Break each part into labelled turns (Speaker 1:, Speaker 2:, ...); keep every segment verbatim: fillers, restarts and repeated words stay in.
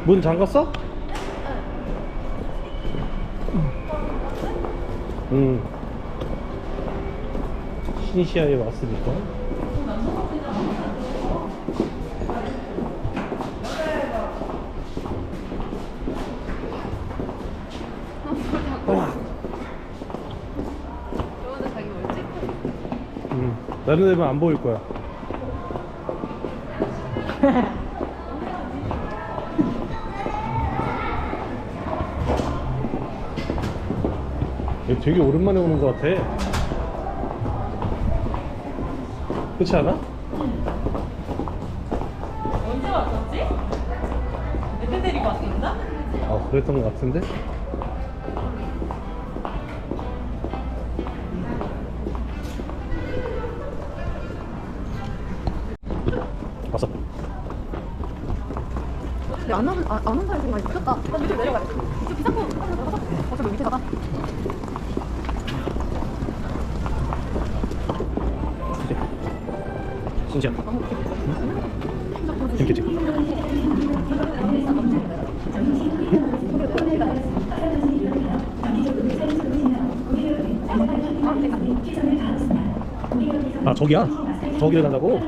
Speaker 1: 문 잠갔어? 응. 시니시아에 왔으니까.
Speaker 2: 저번에 자기 뭘 찍고
Speaker 1: 응. 다른 애면 안 보일 거야. 얘 되게 오랜만에 오는 것 같아. 그렇지 않아?
Speaker 2: 언제 왔었지? 애들 데리고 왔었나?
Speaker 1: 아, 그랬던 것 같은데? 왔어.
Speaker 2: 근데 안 오는 안 오는 사람이 많이 미쳤다. 어, 밑으로 내려가야 돼. 이쪽 비상구 한번 들어가서 어차피 밑에다가.
Speaker 1: 진짜. 재밌겠지? 아, 저기야? 저기를 간다고?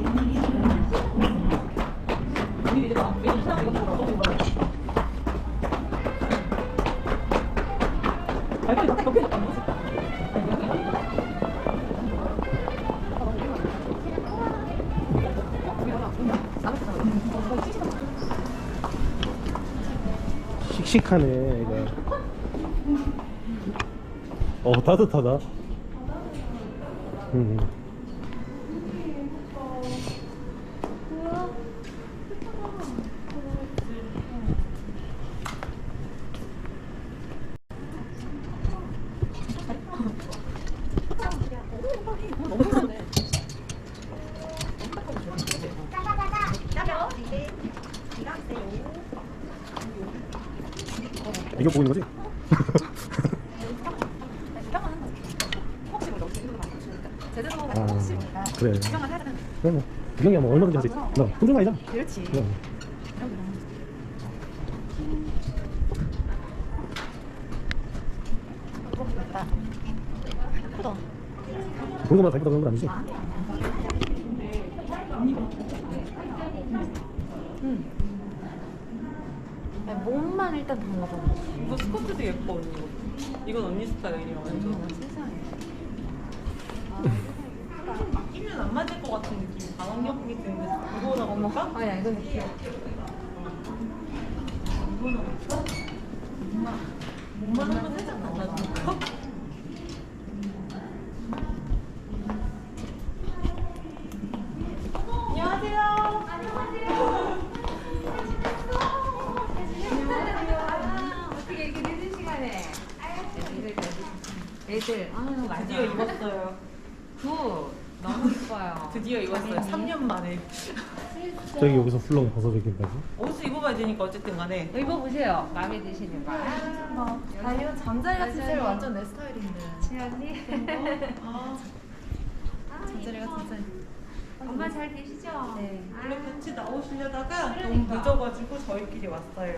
Speaker 1: 씩씩하네, 얘가. 어, 따뜻하다. 음. 이거 보고 있는 거지? 아, 그래. 그래 뭐 구경이야 뭐 얼마든지 할 수 있지. 너 혼자 아니잖아.
Speaker 2: 그렇지.
Speaker 1: 그래.
Speaker 2: 크다.
Speaker 1: 본 것만 다 이쁘다 그런 건 아니지?
Speaker 2: 응. 아니, 몸만 일단 달라져.
Speaker 3: 이거 스커트도 예뻐 언니. 이건 언니 스타일이야 완전.
Speaker 2: 세상에.
Speaker 3: 끼면 안 맞을 것 같은 느낌. 반환경이기 때문에 이거나 볼까?
Speaker 2: 아니야 이건 귀여워.
Speaker 3: 이거나 볼까? 몸만 한번 살짝 달라줄까? 안녕하세요.
Speaker 2: 어떻게 이렇게 늦은 시간에 애들 애들 아유
Speaker 3: 드디어 입었어요.
Speaker 2: 굿 너무 이뻐요.
Speaker 3: 드디어 입었어요. 삼 년 만에.
Speaker 1: 저기 여기서 훌렁 벗어주기까지.
Speaker 3: 옷을 입어봐야 되니까 어쨌든 간에.
Speaker 2: 입어보세요. 마음에 드시는 거.
Speaker 4: 아 이런 잠자리 같은 스타일 완전 내 스타일인데.
Speaker 2: 지연이
Speaker 3: 아,
Speaker 4: 잠자리 같은 스타일.
Speaker 2: 엄마 잘 계시죠?
Speaker 4: 네.
Speaker 3: 원래 같이 나오시려다가 너무 늦어가지고 저희끼리 왔어요.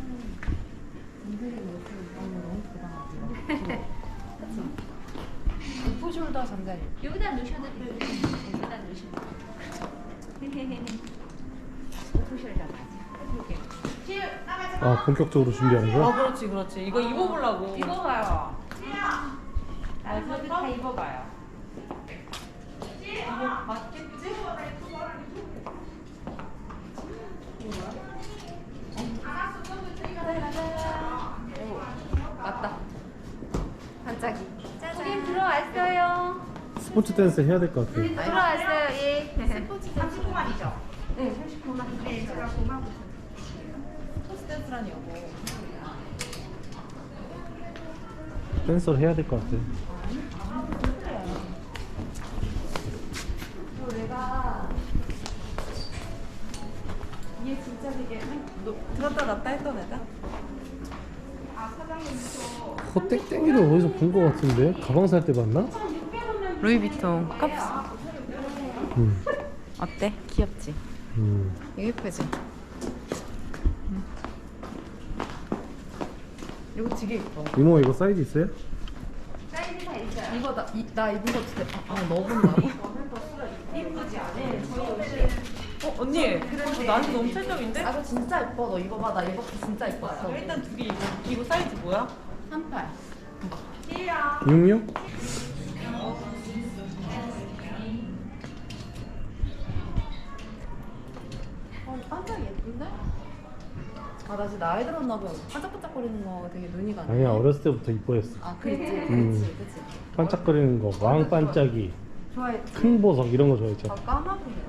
Speaker 4: 오프숄더 잠자리.
Speaker 2: 여기다 놓으셔도 돼요. 여기다 놓으시면 오프숄더 맞아.
Speaker 1: 아, 본격적으로 준비하는
Speaker 3: 아
Speaker 1: 거야?
Speaker 3: 그렇지 그렇지. 이거 입어보려고.
Speaker 2: 입어봐요. 나도 다 입어봐요.
Speaker 3: 이거 맞겠지?
Speaker 2: 맞다.
Speaker 4: 반짝이.
Speaker 2: 고객님 들어왔어요.
Speaker 1: 스포츠 댄스 해야 될 것 같아.
Speaker 2: 들어왔어요. 예.
Speaker 4: 삼십 분만이죠? 네, 삼십 분만. 네, 제가 고마워.
Speaker 3: 토스 댄스라니 여보.
Speaker 1: 댄서를 해야 될 것 같아.
Speaker 4: 내가 이게 진짜 되게
Speaker 3: 너 들었다 놨다 했던 애다?
Speaker 1: 어, 땡땡이를 어디서 본 것 같은데? 가방 살 때 봤나?
Speaker 3: 루이비통 컵스.
Speaker 1: 음.
Speaker 3: 어때? 귀엽지?
Speaker 1: 음.
Speaker 3: 이거 예쁘지?
Speaker 2: 이거 되게 예뻐.
Speaker 1: 이모 이거 사이즈 있어요?
Speaker 4: 사이즈 다 있어요.
Speaker 2: 이거 나, 이, 나 입은 거 진짜 아, 아 너분다고?
Speaker 3: 이쁘지 않아? 어 언니 그래도 나는 너무 찰떡인데?
Speaker 2: 아 이거 진짜 예뻐. 너 이거 봐. 나 이거 진짜 예뻤어.
Speaker 3: 일단 두 개 이거 이거 사이즈 뭐야?
Speaker 2: 삼팔.
Speaker 1: 육육?
Speaker 2: 어 깜짝 예쁜데? 아 나 진짜 나이 들었나 봐. 반짝반짝거리는 거 되게 눈이 가네.
Speaker 1: 아니야 어렸을 때부터 이뻐했어.
Speaker 2: 아 그랬지.
Speaker 1: 음.
Speaker 2: 그치 그치.
Speaker 1: 반짝거리는 거, 왕 반짝이,
Speaker 2: 좋아했지.
Speaker 1: 큰 보석 이런 거 좋아했죠.
Speaker 2: 아 까마귀가.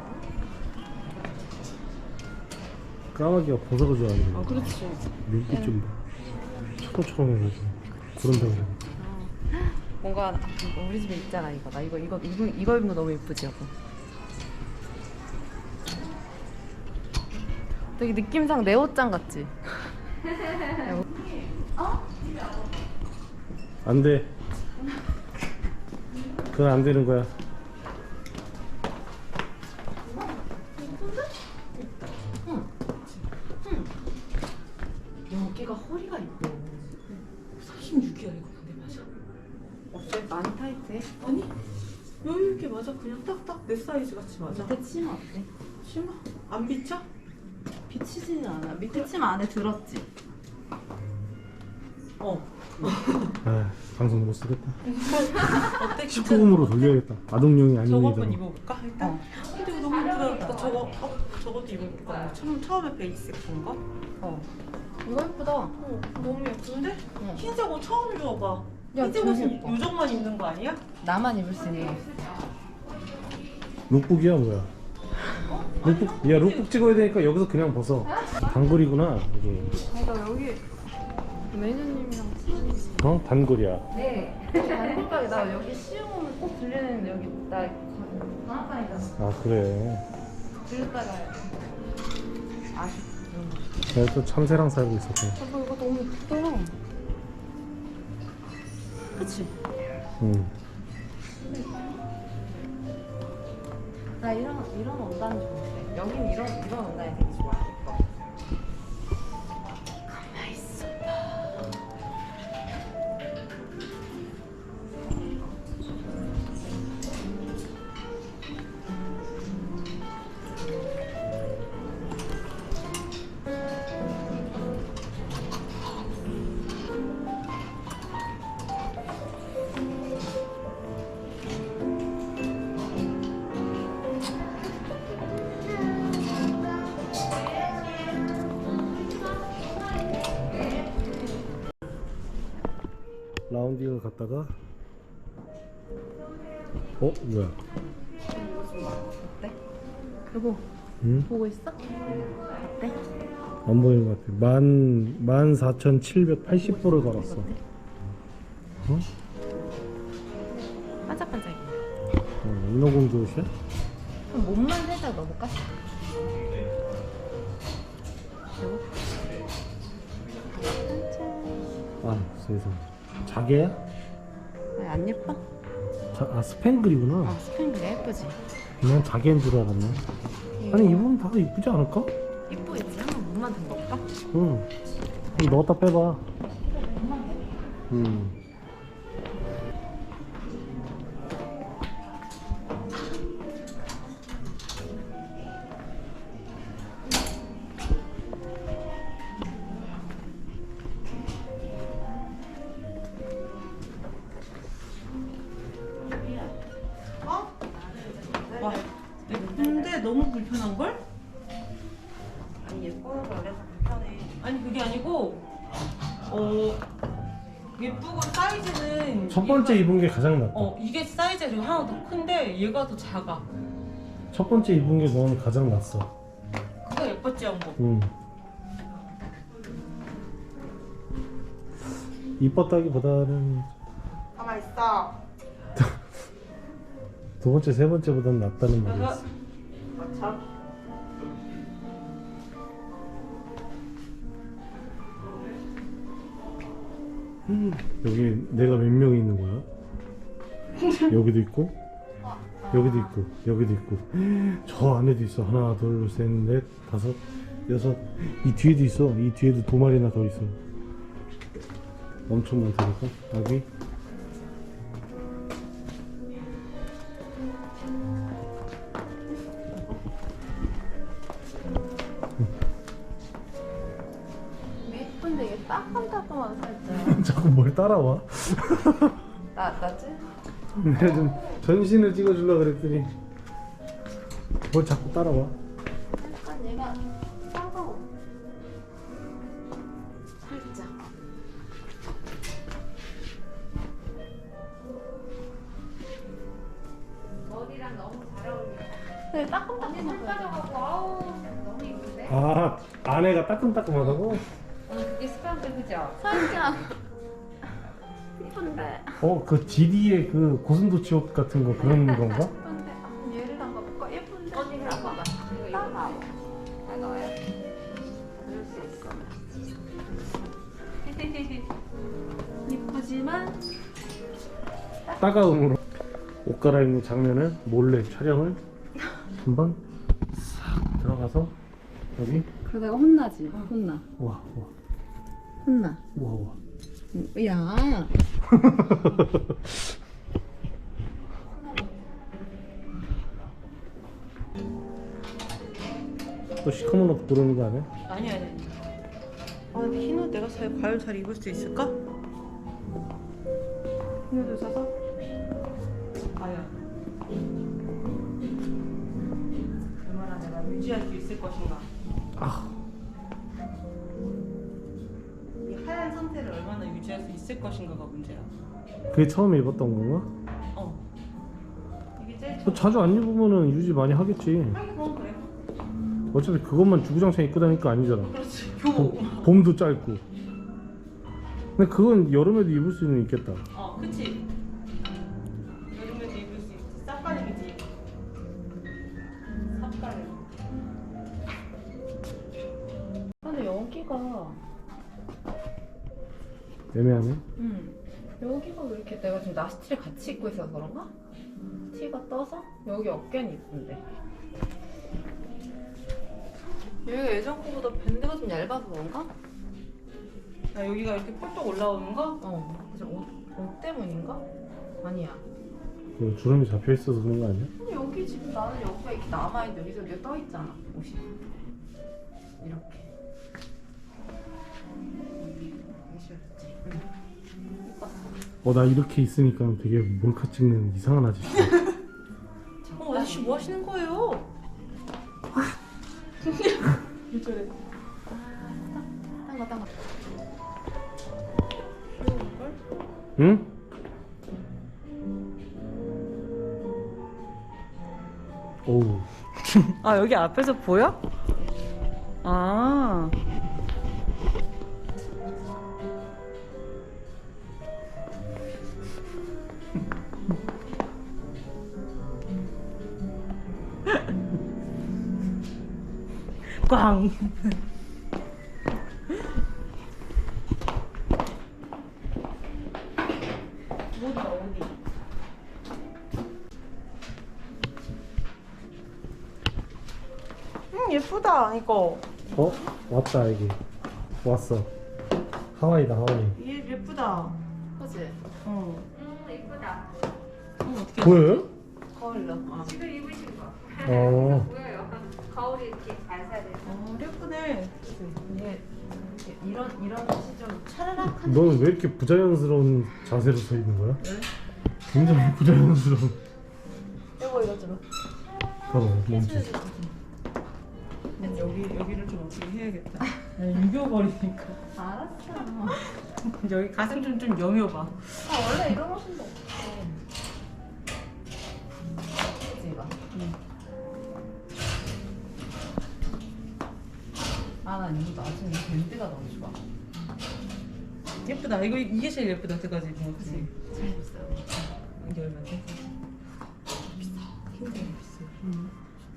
Speaker 1: 까마귀가 보석을 좋아하는
Speaker 2: 아
Speaker 1: 거.
Speaker 2: 그렇지.
Speaker 1: 눈빛 좀 봐. 초롱초롱해가지고 구름덩이.
Speaker 2: 뭔가 아, 이거 우리 집에 있잖아 이거. 나 이거 이거 이거 이거 입는 거 너무 예쁘지 여보. 되게 느낌상 내 옷장 같지?
Speaker 1: 안 돼. 그건 안 되는 거야.
Speaker 2: 여기가 허리가 있고
Speaker 3: 삼십육이야 이거 근데 맞아?
Speaker 2: 어때? 많이 타이트해?
Speaker 3: 아니 여유 있게 맞아 그냥 딱딱 내 사이즈 같이 맞아.
Speaker 2: 밑에 치마 어때?
Speaker 3: 심하? 안 비쳐?
Speaker 2: 비치지는 않아. 밑에 치마 안에 들었지?
Speaker 3: 어.
Speaker 1: 아, 방송 못 쓰겠다.
Speaker 3: 어때?
Speaker 1: 십구 금으로 돌려야겠다. 아동용이
Speaker 3: 저거
Speaker 1: 아닙니다.
Speaker 3: 한번 입어볼까? 일단.
Speaker 2: 어.
Speaker 3: 근데 이거 너무 예쁘다. 나 저거 어 저것도 입어볼까? 처음 처음에 베이스 건가?
Speaker 2: 어. 이거 예쁘다.
Speaker 3: 어 너무 예쁜데?
Speaker 2: 응.
Speaker 3: 흰색 옷 처음 입어봐.
Speaker 2: 야,
Speaker 3: 흰색
Speaker 2: 되게
Speaker 3: 옷은
Speaker 2: 예뻐.
Speaker 3: 요정만 입는 거 아니야?
Speaker 2: 나만 입을 수 있는.
Speaker 1: 룩북이야 뭐야? 룩북? 야 룩북 찍어야 되니까 여기서 그냥 벗어. 단골이구나 이게.
Speaker 2: 아, 나 여기 매니저님이랑
Speaker 1: 어? 단골이야.
Speaker 2: 네. 단골가게 나 여기 시험 오면 꼭 들리는데 여기 나 방학간이잖아.
Speaker 1: 아 그래.
Speaker 2: 들렸다가 아쉽다.
Speaker 1: 내가 또 참새랑 살고 있었고.
Speaker 2: 저거 이거 너무 예쁘다. 그치?
Speaker 1: 응.
Speaker 2: 나 이런 이런 원단이 좋은데 여긴 이런 이런 원단이 되게 좋아. 예뻐. 가만히 있어.
Speaker 1: 라운딩을 갔다가 어? 뭐야?
Speaker 2: 어때? 여보
Speaker 1: 응?
Speaker 2: 보고 있어? 어때?
Speaker 1: 안 보이는 것 같아. 만, 만 사천칠백팔십 보를 걸었어. 어?
Speaker 2: 반짝반짝해.
Speaker 1: 어, 인어공주 옷이야?
Speaker 2: 그럼 몸만 살짝 넣어볼까? 여보
Speaker 1: 아, 세상. 자개야?
Speaker 2: 아니, 안 예뻐?
Speaker 1: 자, 아, 스팽글이구나.
Speaker 2: 아 스팽글 예쁘지?
Speaker 1: 난 자개인 줄 알았네. 아니, 입으면 다 이쁘지 않을까?
Speaker 2: 예쁘겠지? 한번 몸만 담가볼까?
Speaker 1: 응. 그럼 넣었다 빼봐. 응.
Speaker 3: 어? 와. 근데 너무 불편한 걸?
Speaker 4: 아니 예뻐서 그래서 불편해.
Speaker 3: 아니 그게 아니고 어 예쁘고 사이즈는
Speaker 1: 첫 번째
Speaker 3: 얘가-
Speaker 1: 입은 게 가장 낫다.
Speaker 3: 어 이게 사이즈가 좀 하나 더 큰데 얘가 더 작아.
Speaker 1: 첫 번째 입은 게 넌 가장 낫어.
Speaker 3: 그거 예뻤지 한번.
Speaker 1: 응. 이뻤다기보다는
Speaker 4: 가만 있어.
Speaker 1: 두 번째, 세 번째보다는 낫다는 말이었어.
Speaker 4: 맞춰.
Speaker 1: 음, 여기 내가 몇 명이 있는 거야? 여기도 있고, 여기도 있고, 여기도 있고, 저 안에도 있어. 하나, 둘, 셋, 넷, 다섯, 여섯. 이 뒤에도 있어. 이 뒤에도 두 마리나 더 있어. 엄청 많다니까 아기.
Speaker 2: 예쁜데 이게 따끔따끔한 살짝.
Speaker 1: 자꾸 뭘 따라와?
Speaker 2: 나 나지?
Speaker 1: 내가 좀 전신을 찍어주려고 그랬더니 뭘 자꾸 따라와.
Speaker 2: 약간 얘가 따가워. 살짝.
Speaker 4: 머리랑 너무 잘 어울려.
Speaker 2: 네, 따끔따끔한
Speaker 4: 살 빠져갖고 아우 너무 이쁜데?
Speaker 1: 아 안에가 따끔따끔하다고?
Speaker 4: 어, 그게 습관인데 그죠?
Speaker 2: 살짝. 이쁜데.
Speaker 1: 어 그 지디의 그 고슴도치 옷 같은 거 그런 건가?
Speaker 2: 예쁜데. 아, 얘를 한번 볼까? 예쁜데.
Speaker 4: 언니 그럼 봐봐. 이거 이거
Speaker 2: 따가워.
Speaker 4: 따가워요? 그럴 수 있어.
Speaker 2: 이쁘지만
Speaker 1: 따가움으로 옷 갈아입는 장면을 몰래 촬영을 금방 싹 들어가서 여기
Speaker 2: 그러다가 혼나지. 혼나.
Speaker 1: 와 와
Speaker 2: 혼나.
Speaker 1: 와 와.
Speaker 2: 야.
Speaker 1: 또 시커먼 옷 고르는 거 아니야?
Speaker 3: 아니 아니. 아 근데 흰 옷 내가 잘 과연 잘 입을 수 있을까? 흰 옷을 사서? 과연 얼마나 내가 유지할 수 있을 것인가?
Speaker 1: 아
Speaker 3: 이 하얀 상태를 얼마나 유지할 수 있을 것인가가 문제야.
Speaker 1: 그게 처음에 입었던 건가?
Speaker 3: 어. 이게 제일
Speaker 1: 또
Speaker 3: 처음.
Speaker 1: 자주 안 입으면은 유지 많이 하겠지.
Speaker 3: 하긴 그건 그래.
Speaker 1: 어차피 그것만 주구장창 입고 다니까 아니잖아.
Speaker 3: 그렇지. 교복.
Speaker 1: 봄도 짧고. 근데 그건 여름에도 입을 수는 있겠다.
Speaker 3: 어, 그치. 여름에도 입을 수 있지. 쌉가림이지. 쌉가림.
Speaker 2: 근데 여기가
Speaker 1: 애매하네.
Speaker 2: 음 여기가 왜 이렇게 내가 지금 나시티를 같이 입고 있어서 그런가? 티가 떠서 여기 어깨는 이쁜데 여기가 예전 거보다 밴드가 좀 얇아서 그런가?
Speaker 3: 아, 여기가 이렇게 펄떡 올라오는 거?
Speaker 2: 어 그래서 옷, 옷 때문인가? 아니야
Speaker 1: 그 주름이 잡혀 있어서 그런 거 아니야?
Speaker 2: 근데 여기 지금 나는 여기가 이렇게 남아있는데 여기서 여기가 떠있잖아 옷이 이렇게
Speaker 1: 어 나 이렇게 있으니까 되게 몰카 찍는 이상한 아저씨.
Speaker 3: 어, 아저씨 뭐 하시는 거예요? 왜 저래?
Speaker 2: 딴거 딴거
Speaker 1: 응? 오우.
Speaker 3: 아, 여기 앞에서 보여? 아. 꽝. 어디가 어디? 음 예쁘다 이거.
Speaker 1: 어? 왔다 여기. 왔어. 하와이다 하와이.
Speaker 3: 얘 예쁘다.
Speaker 2: 그치?
Speaker 3: 어.
Speaker 4: 음 이쁘다.
Speaker 3: 음, 어떻게?
Speaker 1: 보여요?
Speaker 2: 거울로 어.
Speaker 4: 지금 입으신 거.
Speaker 1: 어.
Speaker 4: 보여요. 거울이 이렇게 반사돼서.
Speaker 3: 어 예쁘네.
Speaker 2: 이게 이렇게 이런 이런 옷이 좀 차라락한
Speaker 1: 너는 왜 이렇게 부자연스러운 자세로 서 있는 거야? 굉장히 부자연스러운.
Speaker 2: 여보 이거 좀
Speaker 1: 봐봐 몸짓.
Speaker 3: 여기 여기를 좀 어떻게 해야겠다. 유겨버리니까.
Speaker 2: 알았어
Speaker 3: 여기 가슴 좀 좀 여며봐.
Speaker 2: 아 원래 이런 옷은 없어 그치 이거? 아난 이거 나중에 밴드가 너무 좋아
Speaker 3: 예쁘다. 이거 이게 제일 예쁘다. 여태까지 입은 거. 그치?
Speaker 2: 잘 입었어요
Speaker 3: 이게 얼마인데?
Speaker 2: 굉장히 비싸
Speaker 3: 응.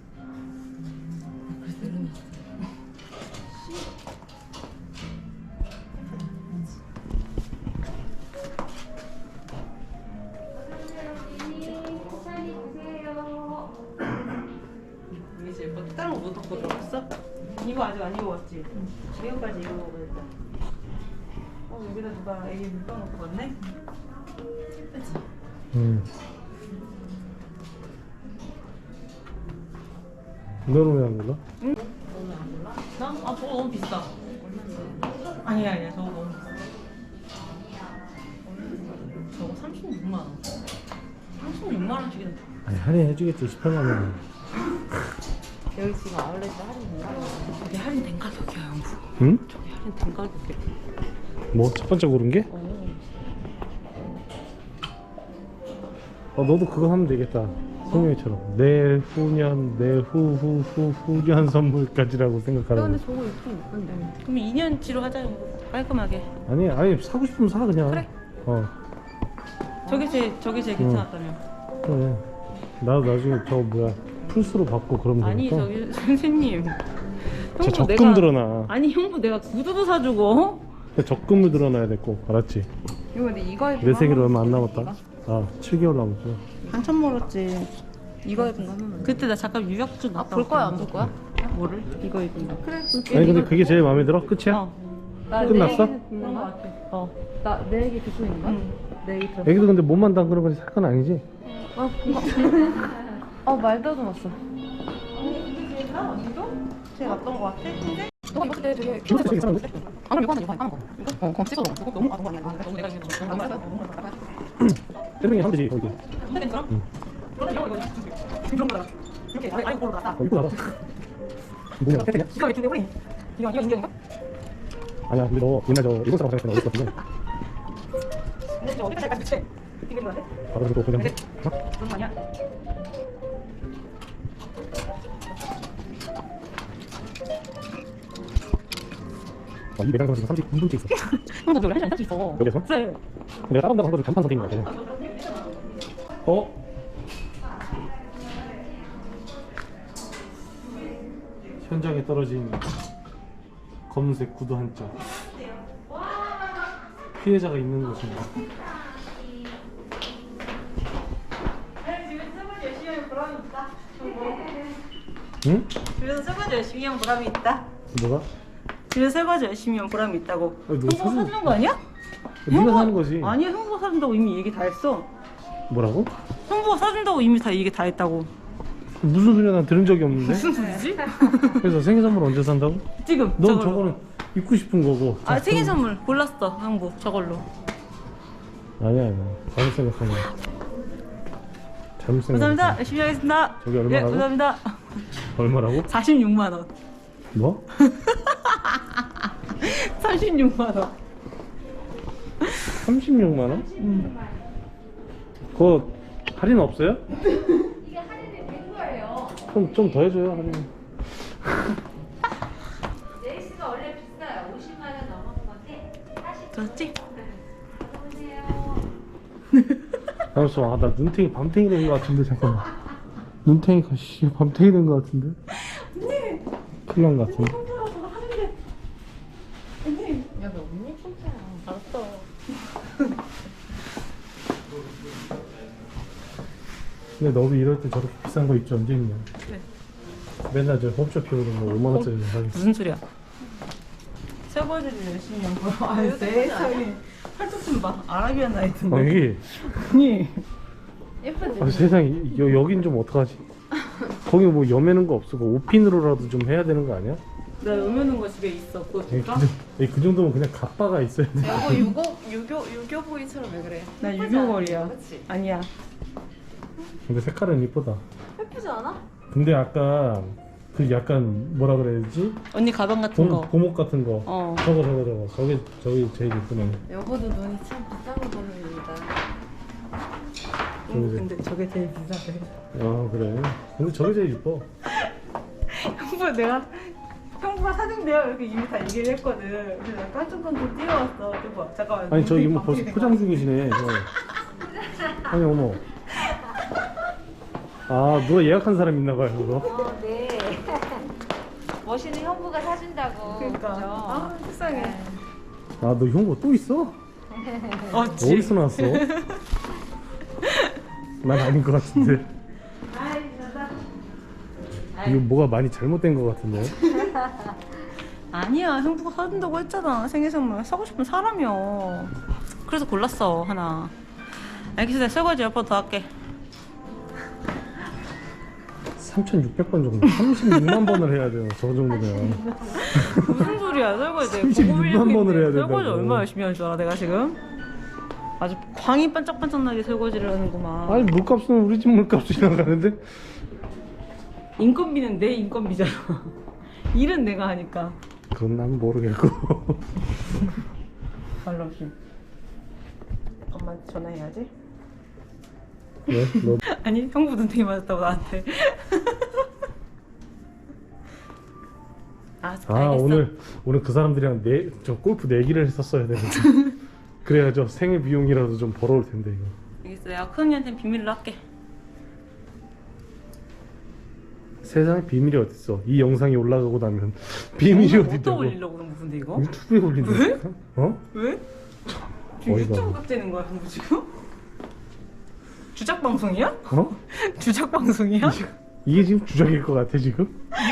Speaker 2: 그래서 내려놨어
Speaker 4: 천천히 보세요.
Speaker 3: 이게 제일 예뻐. 다른 거못 입고 들어갔어? 이거 아직 안 입어봤지? 이거까지 입어보겠다. 어 여기다 누가 애기 묶어놓고 갔네?
Speaker 1: 응. 너는 왜 안 골라?
Speaker 3: 나? 아 저거 너무 비싸. 아니야 아니야 저거 너무 비싸. 저거 삼십육만 원. 삼십육만 원씩인데.
Speaker 1: 아니 할인해주겠지 십팔만 원.
Speaker 2: 여기 지금 아울렛에 할인인가?
Speaker 3: 저게 할인된 가격이야 영부.
Speaker 1: 응?
Speaker 3: 저게 할인된 가격이야.
Speaker 1: 뭐 첫 번째 고른 게? 어 너도 그거 하면 되겠다. 승용이처럼 내후년 내후후후 후년 선물까지라고
Speaker 2: 야,
Speaker 1: 생각하라고.
Speaker 2: 근데 저거 예쁘긴 예쁜데.
Speaker 3: 그럼 이 년치로 하자 영부. 깔끔하게.
Speaker 1: 아니 아니 사고 싶으면 사 그냥.
Speaker 3: 그래.
Speaker 1: 어
Speaker 3: 저게 제일 저게 제일 괜찮았다며.
Speaker 1: 그래. 나도 나중에 저 뭐야 플스로 받고 그러면
Speaker 3: 아니
Speaker 1: 되니까.
Speaker 3: 저기 선생님.
Speaker 1: 저
Speaker 3: 형부
Speaker 1: 적금
Speaker 3: 내가-
Speaker 1: 들어놔.
Speaker 3: 아니 형부 내가 구두도 사주고.
Speaker 1: 적금을 들어놔야 돼 꼭. 알았지?
Speaker 2: 이거 근데 이거 예쁜
Speaker 1: 내
Speaker 2: 거
Speaker 1: 생일
Speaker 2: 하나만
Speaker 1: 얼마 안
Speaker 2: 있어,
Speaker 1: 남았다. 아 칠 개월 남았어.
Speaker 3: 한참 멀었지.
Speaker 2: 이거 예쁜 거 하나만.
Speaker 3: 그때 나 잠깐 유학주
Speaker 2: 아,
Speaker 3: 갔다
Speaker 2: 볼 거야 안
Speaker 3: 왔거든.
Speaker 2: 볼 거야?
Speaker 3: 뭐를? 이거 입은 거.
Speaker 2: 그래.
Speaker 1: 아니 근데 그게 제일 마음에 들어? 끝이야?
Speaker 3: 어.
Speaker 2: 나
Speaker 1: 끝났어?
Speaker 2: 내 얘기 듣는
Speaker 3: 그런 거
Speaker 2: 거야?
Speaker 3: 같아. 어.
Speaker 2: 나내 얘기 듣고 있는 거야?
Speaker 3: 응.
Speaker 2: 내 얘기 들어.
Speaker 1: 애기도 근데 몸만 담그는 거지 살 건 아니지?
Speaker 2: 어, 어 말도 좀 왔어.
Speaker 3: 이게 제일 나? 언니도? 제일 낫던 거 같아? 근데?
Speaker 2: 너가 입었을 때 되게
Speaker 1: 진짜 되게 이상한데?
Speaker 2: 아 그럼 이거 하나 이거 하나 까만 거. 이거? 어 그럼 찍어 놓고. 이거 너무 아동 거 아니야? 너무 내가 이거 너무 많이 했어.
Speaker 1: 때리는 하면 되지 거기.
Speaker 3: 근데 괜찮아?
Speaker 1: 응.
Speaker 3: 그러면 이거 이거 이런 거다. 이렇게 아예 아예 볼로 났다.
Speaker 1: 어, 입고 나가. 뭐냐 태태냐?
Speaker 3: 기가 막힌데 우리. 이거 이거 인경인가?
Speaker 1: 아니야 근데 너 옛날 저 일본 사람 생각했나 어디 같은데
Speaker 3: 근데 저 어디까지 갈지 대체? 이거 뭐야?
Speaker 1: 바로 그거 그냥 어?
Speaker 3: 그런 거 아니야?
Speaker 1: 아, 이 매장 지금 삼십구 분째 있어.
Speaker 3: 형도 저기 할수 할수 있어.
Speaker 1: 여기서?
Speaker 3: 그래.
Speaker 1: 내가 다른 데한 거를 간판 선택인 것 같아. 어? 현장에 떨어진 검은색 구두 한 짝. 피해자가 있는 곳인가?
Speaker 3: 집에서 설거지 열심히 하면 보람이 있다.
Speaker 1: 응?
Speaker 3: 집에서 설거지 열심히 하면 보람이 있다.
Speaker 1: 뭐가?
Speaker 3: 집에서 설거지 열심히 하면 보람이 있다고.
Speaker 1: 아니, 너
Speaker 3: 형부가
Speaker 1: 사준-
Speaker 3: 사주는 거 아니야?
Speaker 1: 네가
Speaker 3: 형부가-
Speaker 1: 사는 거지.
Speaker 3: 아니야 형부가 사준다고 이미 얘기 다 했어.
Speaker 1: 뭐라고?
Speaker 3: 형부가 사준다고 이미 다 얘기 다 했다고.
Speaker 1: 무슨 소리야? 난 들은 적이 없는데.
Speaker 3: 무슨 소리지?
Speaker 1: 그래서 생일 선물 언제 산다고?
Speaker 3: 지금
Speaker 1: 넌
Speaker 3: 저걸로.
Speaker 1: 저거는 입고 싶은 거고.
Speaker 3: 아
Speaker 1: 자,
Speaker 3: 생일
Speaker 1: 그럼-
Speaker 3: 선물 골랐어 형부 저걸로.
Speaker 1: 아니야 아니야. 잘못 생각한 거야. 잘못 생각.
Speaker 3: 감사합니다. 열심히 하겠습니다.
Speaker 1: 저기 얼마라고?
Speaker 3: 예, 감사합니다.
Speaker 1: 얼마라고?
Speaker 3: 사십육만 원.
Speaker 1: 뭐?
Speaker 3: 삼십육만 원.
Speaker 1: 삼십육만 원?
Speaker 3: 음.
Speaker 1: 그거 할인 없어요?
Speaker 4: 이게 할인이 된 거예요.
Speaker 1: 그럼 좀 더 해줘요 할인.
Speaker 4: 레이스가 원래 비싸요. 오십만 원 넘어간 건데 사십
Speaker 3: 좋지?
Speaker 4: 오세요.
Speaker 1: 잠시만, 아, 나 눈탱이 밤탱이 된 거 같은데 잠깐만. 눈탱이가 씨 밤탱이 된 거 같은데? 큰일 난 거 같은데?
Speaker 2: 야너 언니 폰트야.
Speaker 3: 알았어.
Speaker 1: 근데 너도 이럴 때 저렇게 비싼 거 입지 언제 입냐?
Speaker 3: 그래.
Speaker 1: 맨날 저 홈쇼핑으로 뭐 오만 원짜리 사겠어.
Speaker 3: 무슨 소리야? 설거지를 열심히 한 거. 아 세상에. 팔뚝 좀 봐. 아라비안 나이트인데.
Speaker 1: 어, 여기
Speaker 3: 아니.
Speaker 2: 예쁘지?
Speaker 1: 아, 세상에 여, 여긴 좀 어떡하지? 거기 뭐 여매는 거 없어? 그 오핀으로라도 좀 해야 되는 거 아니야?
Speaker 3: 나 여며는 거 집에 있어. 그거
Speaker 1: 에이,
Speaker 3: 줄까?
Speaker 1: 그, 정- 에이, 그 정도면 그냥 갑바가 있어야 돼.
Speaker 2: 여보 유교 유교 유교보이처럼 왜 그래?
Speaker 3: 나
Speaker 2: 예쁘지 않아?
Speaker 3: 유교걸이야.
Speaker 2: 그치?
Speaker 3: 아니야.
Speaker 1: 근데 색깔은 이쁘다.
Speaker 2: 예쁘지 않아?
Speaker 1: 근데 아까 그 약간 뭐라 그래야 되지?
Speaker 3: 언니 가방 같은
Speaker 1: 고,
Speaker 3: 거.
Speaker 1: 고목 같은 거.
Speaker 3: 어.
Speaker 1: 저거 저거 저거. 저게 저기 제일 이쁘네.
Speaker 2: 여보도 눈이 참 비싼 거 보는다.
Speaker 3: 응, 근데 저게 제일 비싸대.
Speaker 1: 아 그래. 근데 저게 제일 이뻐.
Speaker 3: 형부 내가 형부가 사준대요 이렇게 이미 다 얘기를 했거든. 그래서 내가 깜짝깜짝 뛰어왔어. 여보 잠깐만.
Speaker 1: 아니 저
Speaker 3: 눈이
Speaker 1: 이모 벌써
Speaker 3: 바뀌는
Speaker 1: 포장
Speaker 3: 거야.
Speaker 1: 중이시네. 저. 아니 어머. 아 누가 예약한 사람 있나 봐요 그거.
Speaker 4: 어, 네. 멋있는 형부가 사준다고.
Speaker 3: 그러니까.
Speaker 4: 그죠?
Speaker 3: 아 세상에.
Speaker 1: 아 너 형부 또 있어?
Speaker 3: 어찌.
Speaker 1: 어디서 나왔어? 난 아닌 것 같은데.
Speaker 3: 아이 진짜.
Speaker 1: 이거 뭐가 많이 잘못된 것 같은데.
Speaker 3: 아니야, 형부가 사준다고 했잖아. 생일 선물 사고 싶은 사람이요. 그래서 골랐어 하나. 알겠어, 내가 설거지 몇 번 더 할게.
Speaker 1: 삼천육백 번 정도. 삼십육만 번을 해야 돼요. 저 정도면.
Speaker 3: 무슨 소리야, 설거지.
Speaker 1: 삼십육만 번을 해야 된다고.
Speaker 3: 설거지 얼마나 열심히 하는 줄 알아, 내가 지금? 아주 광이 반짝반짝나게 설거지를 하는구만.
Speaker 1: 아니 물값은 우리 집 물값이 나가는데.
Speaker 3: 인건비는 내 인건비잖아. 일은 내가 하니까.
Speaker 1: 그건 난 모르겠고.
Speaker 3: 말로 없이. 엄마한테 전화해야지.
Speaker 1: 왜? 너
Speaker 3: 아니, 형부 눈탱이 맞았다고 나한테. 아,
Speaker 1: 아
Speaker 3: 알겠어.
Speaker 1: 오늘 오늘 그 사람들이랑 내 저 골프 내기를 했었어야 되는데. 그래야죠 생일 비용이라도 좀 벌어올 텐데 이거.
Speaker 3: 알겠어, 내가 큰 언니한테는 비밀로 할게.
Speaker 1: 세상에 비밀이 어딨어. 이 영상이 올라가고 나면 비밀이
Speaker 3: 어디다
Speaker 1: 어딨다고.
Speaker 3: 올리려고 그런 무슨 데 이거?
Speaker 1: 유튜브에 올린다니까? 어?
Speaker 3: 왜? 지금
Speaker 1: 어이가
Speaker 3: 유튜브
Speaker 1: 없네.
Speaker 3: 각되는 거야, 형부 지금? 주작 방송이야?
Speaker 1: 어?
Speaker 3: 주작 방송이야?
Speaker 1: 이게 지금 주작일 것 같아 지금?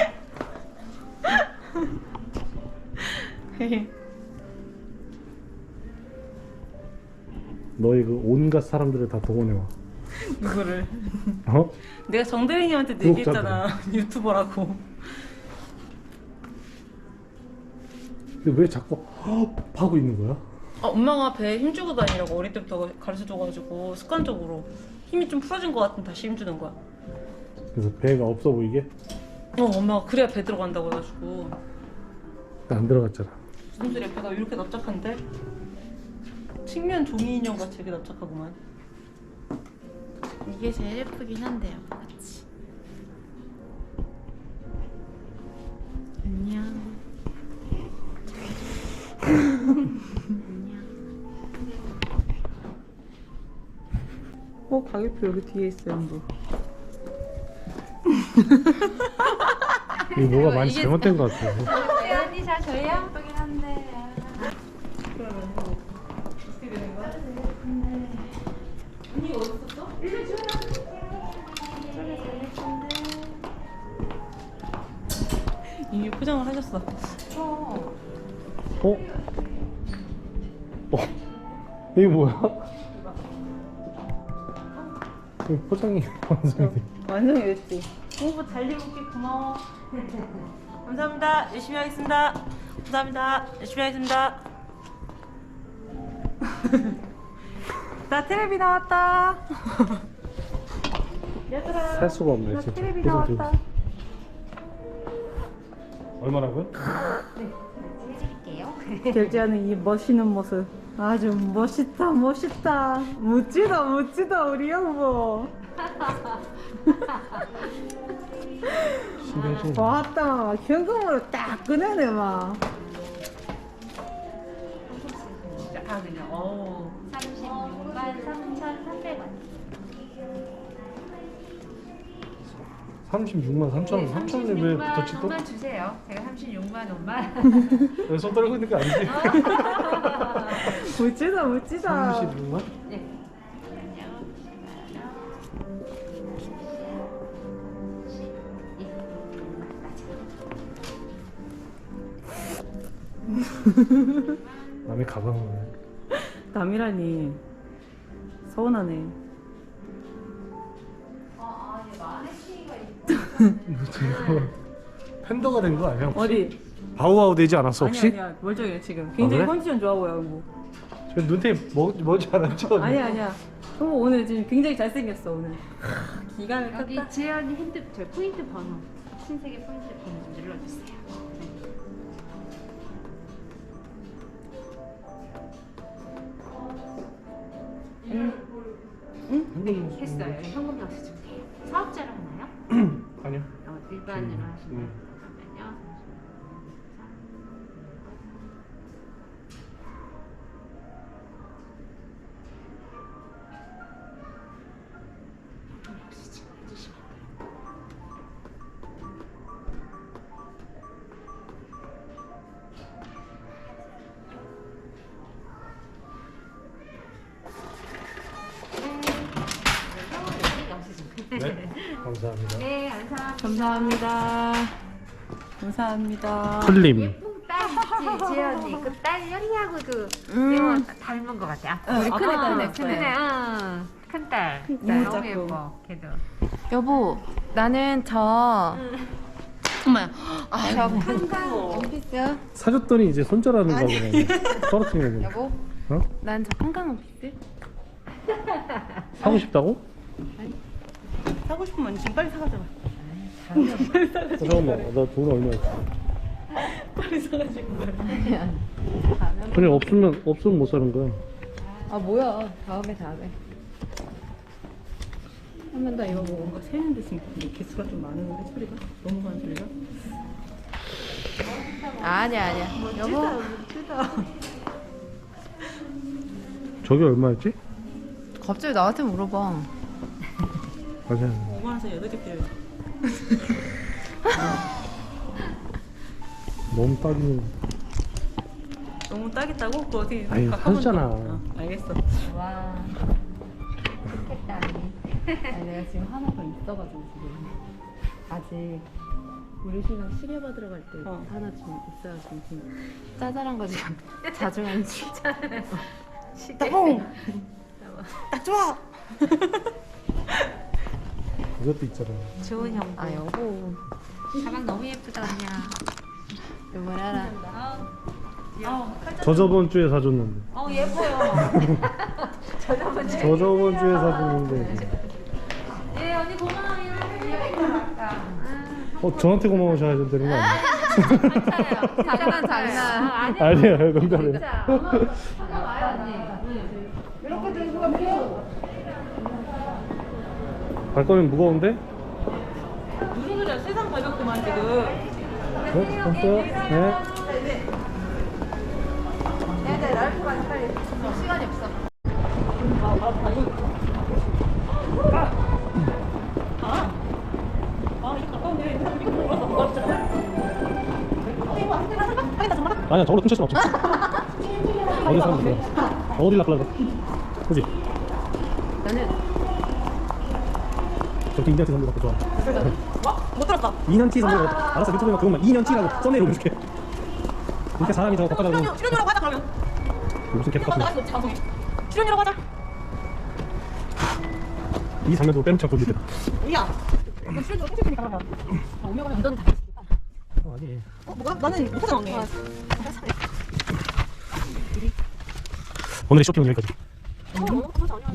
Speaker 1: 너희 그 온갖 사람들을 다 동원해와.
Speaker 3: 누구를?
Speaker 1: 어?
Speaker 3: 내가 정대리님한테 얘기했잖아. 유튜버라고.
Speaker 1: 근데 왜 자꾸 헉 하고 있는 거야?
Speaker 3: 아, 엄마가 배에 힘주고 다니라고 어릴 때부터 가르쳐줘가지고 습관적으로 힘이 좀 풀어진 것 같은 다시 힘주는 거야.
Speaker 1: 그래서 배가 없어 보이게?
Speaker 3: 어, 엄마가 그래야 배 들어간다고 해가지고.
Speaker 1: 안 들어갔잖아.
Speaker 3: 무슨 소리야, 배가 이렇게 납작한데? 측면 종이 인형 같이 이렇게 납작하구만.
Speaker 2: 이게 제일 예쁘긴 한데요. 그치? 안녕. 안녕.
Speaker 3: 어, 가격표 여기 뒤에 있어요, 뭐.
Speaker 1: 이거 뭐가 많이
Speaker 2: 이게-
Speaker 1: 잘못된 것 같아.
Speaker 2: 네, 언니 잘 저희 예쁘긴 한데.
Speaker 3: 그러면 뭐 어떻게 되는 거야? 언니가 어디 있었어? 일로 줘.
Speaker 2: 저게 제일 예쁜데.
Speaker 3: 이미 포장을 하셨어.
Speaker 2: 어.
Speaker 1: 어? 어? 이게 뭐야? 이 포장이 완성이 돼.
Speaker 3: 완성이 됐지. 공부 잘 해볼게. 고마워. 감사합니다. 열심히 하겠습니다. 감사합니다. 열심히 하겠습니다. 나 테레비 나왔다. 얘들아.
Speaker 1: 살 수가 없네
Speaker 3: 나
Speaker 1: 지금.
Speaker 3: 테레비
Speaker 1: 표정 지금.
Speaker 3: 나왔다.
Speaker 1: 얼마라고요?
Speaker 2: 해드릴게요.
Speaker 3: 결제하는 이 멋있는 모습. 아주 멋있다, 멋있다. 멋지다, 멋지다, 우리 형부.
Speaker 1: 신경 쓰는 거.
Speaker 3: 왔다. 현금으로 딱 꺼내네, 막. 아, 그냥, 어.
Speaker 4: 삼십육만 삼천삼백 원.
Speaker 1: 삼십육만 삼천 원. 삼천 원이 왜 붙었지 또?
Speaker 4: 원만 주세요. 제가 삼십육만 원만.
Speaker 1: 왜 손 떨고 있는 거 아니지?
Speaker 3: 멋지다, 멋지다.
Speaker 1: 삼십육만?
Speaker 4: 네.
Speaker 1: 남의 가방을.
Speaker 3: 남이라니. 서운하네.
Speaker 2: 아, 얘 마네킹이가 있고.
Speaker 1: 이거 팬더가 된 거 아니야? 혹시?
Speaker 3: 어디?
Speaker 1: 바우와우 되지 않았어 혹시?
Speaker 3: 아니야, 아니야. 멀쩡해, 지금. 굉장히
Speaker 1: 그래?
Speaker 3: 컨디션 좋아 보여, 뭐.
Speaker 1: 저 눈탱이 뭐, 뭐지 않았죠?
Speaker 3: 아니야, 아니야. 형부 오늘 지금 굉장히 잘생겼어, 오늘. 기가 막혔다.
Speaker 4: 여기 재현이 핸드 저 포인트 번호. 신세계 포인트 번호 좀 눌러주세요. 네, 했어요. 현금 낚시 좀 돼요. 사업자로 하나요?
Speaker 1: 아니요.
Speaker 4: 어, 일반으로
Speaker 1: 음,
Speaker 4: 하시나요?
Speaker 1: 음.
Speaker 4: 잠깐만요. 혹시 지금 해주시면
Speaker 1: 네. 감사합니다.
Speaker 4: 네, 감사합니다.
Speaker 3: 감사합니다. 감사합니다.
Speaker 1: 클림.
Speaker 4: 예쁜 딸. 그 딸 연희하고 그
Speaker 2: 음.
Speaker 4: 이모 닮은 것 같아. 아,
Speaker 2: 우리 큰애딸 네,
Speaker 4: 큰애,
Speaker 2: 큰애.
Speaker 4: 응. 큰딸.
Speaker 3: 큰딸.
Speaker 4: 너무
Speaker 3: 작고.
Speaker 4: 예뻐, 걔도.
Speaker 2: 여보, 나는 저 엄마야. 아, 저 칸칸 원피스.
Speaker 1: 사줬더니 이제 손절하는 거 보네. 떨어뜨리는 거.
Speaker 2: 여보,
Speaker 1: 어?
Speaker 2: 난 저 칸칸 원피스.
Speaker 1: 사고 싶다고?
Speaker 3: 사고 싶으면 지금 빨리 사가잖아.
Speaker 1: 어, 잠깐만, 나 돈 얼마 있어?
Speaker 3: 빨리 사가지고.
Speaker 1: 그냥 없으면 없으면 못 사는 거야.
Speaker 2: 아 뭐야? 다음에 다음에. 한 번 더 입어보고.
Speaker 3: 뭔가 세는데 지금 개수가 좀 많은데 소리가 넘어가는 소리가.
Speaker 2: 아니야 아니야. 여보,
Speaker 3: 크다.
Speaker 1: 저게 얼마였지?
Speaker 2: 갑자기 나한테 물어봐.
Speaker 1: 맞아.
Speaker 3: 오만 원에서 여덟 개 떼요.
Speaker 1: 너무 따기는.
Speaker 3: 너무 따겠다고? 그거 어디
Speaker 1: 아유,
Speaker 3: 가까운
Speaker 1: 하잖아.
Speaker 3: 거. 어, 알겠어.
Speaker 2: 와. 좋겠다. 아니 내가 지금 하나 더 있어가지고 지금 아직 우리 신랑 시계 받으러 갈 때
Speaker 3: 어.
Speaker 2: 하나 지금 있어가지고 지금 짜잘한 거 지금 자중한 진짜.
Speaker 3: 따봉! 딱 좋아!
Speaker 1: 그것도 있잖아.
Speaker 4: 좋은 형.
Speaker 2: 아 여보.
Speaker 4: 가방 너무 예쁘다, 언니야.
Speaker 2: 여보 알아.
Speaker 1: 저 저번 주에 사줬는데.
Speaker 4: 어, 예뻐요.
Speaker 1: 저 저번 주에 사줬는데.
Speaker 4: 예, 언니 고마워요.
Speaker 1: 어 저한테 고마우셔야 되는 거 아니야?
Speaker 2: 장난 장난.
Speaker 1: 아니야 농담이야. 발걸음 무거운데?
Speaker 3: 무슨 소리야? 세상 가볍구만 지금.
Speaker 1: 어? 없어요? 네.
Speaker 2: 시간이 없어.
Speaker 3: 아 이거 가까운데 이거 몰라서 못 봤잖아.
Speaker 1: 아니야 저걸로 훔칠 순 없지. 어디 사람 있어? 어디 낚으려고? 그지?
Speaker 2: 나는
Speaker 1: 저렇게 이년치 선물 받고 좋아.
Speaker 3: 뭐? 못 들었다.
Speaker 1: 이년치 선물 받고. 알았어 유튜브에 그것만 이년치라고 썸네일 올려줄게. 이렇게 사람이 저거 바꿔가지고
Speaker 3: 출연료 출연료라고 하자 그러면.
Speaker 1: 무슨 개떡 같은
Speaker 3: 나갈 수 없지 방송에. 출연료라고 하자.
Speaker 1: 이 장면도 빼놓지 않고 올릴 때다.
Speaker 3: 야. 이거 출연료 훔칠 테니까 그러면. 아, 오면 이건 다.
Speaker 1: 어 아니.
Speaker 3: 어 뭐가? 나는 못 찾아왔네.
Speaker 1: 오늘의 쇼핑은 여기까지.
Speaker 3: 어,